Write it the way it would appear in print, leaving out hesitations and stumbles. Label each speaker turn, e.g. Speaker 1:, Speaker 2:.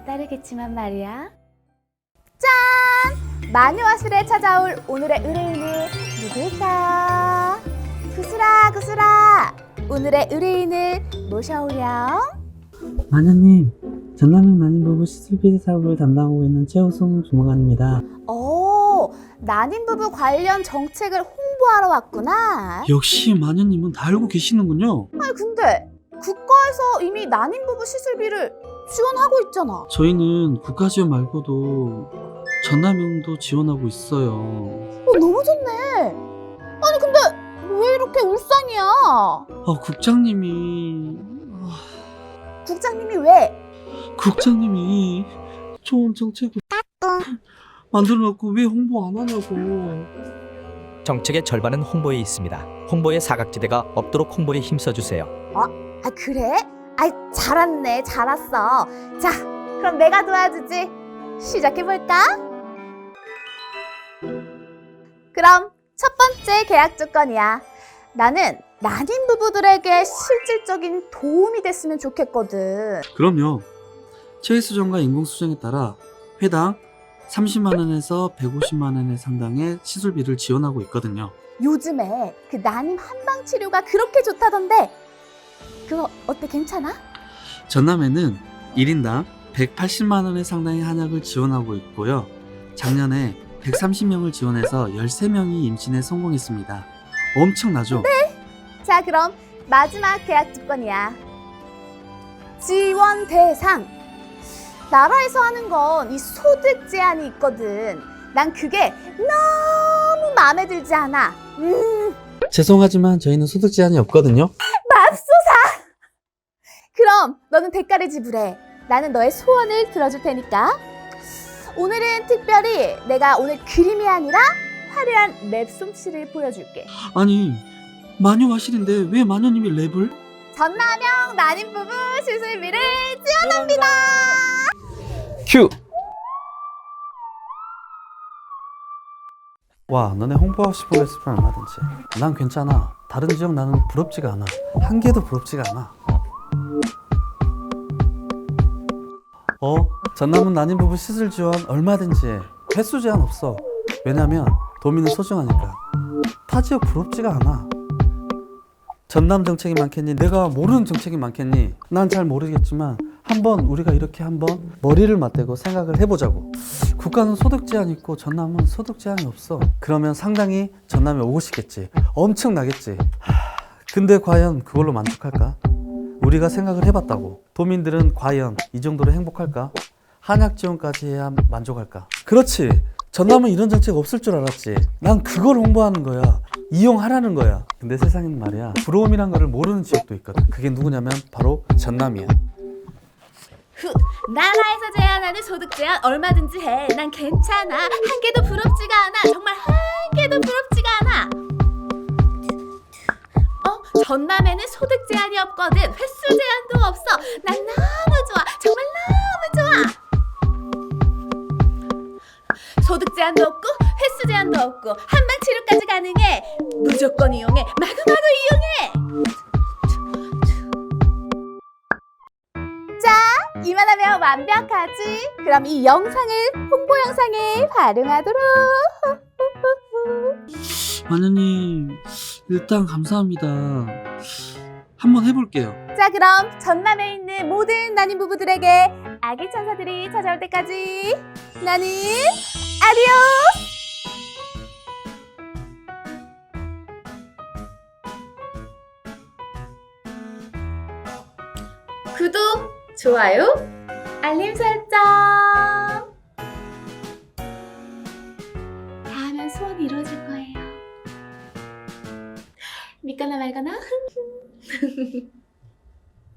Speaker 1: 따르겠지만 말이야. 짠! 마녀화실에 찾아올 오늘의 의뢰인은 누굴까? 구슬아 구슬아, 오늘의 의뢰인을 모셔오렴.
Speaker 2: 마녀님, 전남형 난임부부 시술비리 사업을 담당하고 있는 최우승 주무관입니다.
Speaker 1: 오, 난임부부 관련 정책을 홍보하러 왔구나.
Speaker 2: 역시 마녀님은 다 알고 계시는군요.
Speaker 1: 아니 근데 국가에서 이미 난임부부 시술비를 지원하고 있잖아.
Speaker 2: 저희는 국가 지원 말고도 전남형도 지원하고 있어요.
Speaker 1: 너무 좋네. 아니 근데 왜 이렇게 울상이야?
Speaker 2: 국장님이
Speaker 1: 국장님이 왜?
Speaker 2: 국장님이 좋은 정책을 만들어놓고 왜 홍보 안 하냐고.
Speaker 3: 정책의 절반은 홍보에 있습니다. 홍보의 사각지대가 없도록 홍보에 힘써주세요.
Speaker 1: 아 그래? 아이 잘 왔네, 잘 왔어. 자 그럼 내가 도와주지. 시작해볼까? 그럼 첫 번째 계약 조건이야. 나는 난임 부부들에게 실질적인 도움이 됐으면 좋겠거든.
Speaker 2: 그럼요. 체위 수정과 인공 수정에 따라 회당 30만 원에서 150만 원의 상당의 시술비를 지원하고 있거든요.
Speaker 1: 요즘에 그 난임 한방 치료가 그렇게 좋다던데 그거 어때, 괜찮아?
Speaker 2: 전남에는 1인당 180만 원의 상당의 한약을 지원하고 있고요. 작년에 130명을 지원해서 13명이 임신에 성공했습니다. 엄청나죠?
Speaker 1: 자 그럼 마지막 계약 조건이야. 지원 대상. 나라에서 하는 건 이 소득 제한이 있거든. 난 그게 너무 마음에 들지 않아.
Speaker 2: 죄송하지만 저희는 소득 제한이 없거든요.
Speaker 1: 맙소사. 그럼 너는 대가를 지불해. 나는 너의 소원을 들어줄 테니까. 오늘은 특별히 내가 오늘 그림이 아니라 화려한 랩 솜씨를 보여줄게.
Speaker 2: 아니, 마녀화실인데 왜 마녀님이 랩을?
Speaker 1: 전남형 난임 부부 시술비를 지원합니다.
Speaker 2: 큐! 와, 너네 홍보하고 싶은 거 있으면 얼마든지. 난 괜찮아. 다른 지역 나는 부럽지가 않아. 한 개도 부럽지가 않아. 전남은 난임부부 시술 지원 얼마든지 해. 횟수 제한 없어. 왜냐면 도민은 소중하니까. 타 지역 부럽지가 않아. 전남 정책이 많겠니? 내가 모르는 정책이 많겠니? 난 잘 모르겠지만 한번 우리가 이렇게 한번 머리를 맞대고 생각을 해보자고. 국가는 소득 제한이 있고 전남은 소득 제한이 없어. 그러면 상당히 전남에 오고 싶겠지. 엄청나겠지. 근데 과연 그걸로 만족할까? 우리가 생각을 해봤다고. 도민들은 과연 이 정도로 행복할까? 한약 지원까지 해야 만족할까? 그렇지. 전남은 이런 정책 없을 줄 알았지. 난 그걸 홍보하는 거야. 이용하라는 거야. 근데 세상에는 말이야, 부러움이란 거를 모르는 지역도 있거든. 그게 누구냐면 바로 전남이야.
Speaker 1: 나라에서 제한하는 소득 제한 얼마든지 해. 난 괜찮아. 한 개도 부럽지가 않아. 정말 한 개도 부럽지가 않아. 전남에는 소득 제한이 없거든. 횟수 제한도 없어. 난 너무 좋아. 정말 너무 좋아. 소득 제한도 없고 횟수 제한도 없고 한방 치료까지 가능해. 무조건 이용해. 마구마구 이용해. 자, 이만하면 완벽하지? 그럼 이 영상을 홍보 영상에 활용하도록.
Speaker 2: 마녀님, 일단 감사합니다. 한번 해볼게요.
Speaker 1: 자 그럼 전남에 있는 모든 난임 부부들에게 아기 천사들이 찾아올 때까지 나는 아디오스! 구독, 좋아요, 알림 설정. 다 하면 소원이 이루어질 거예요. 믿거나 말거나.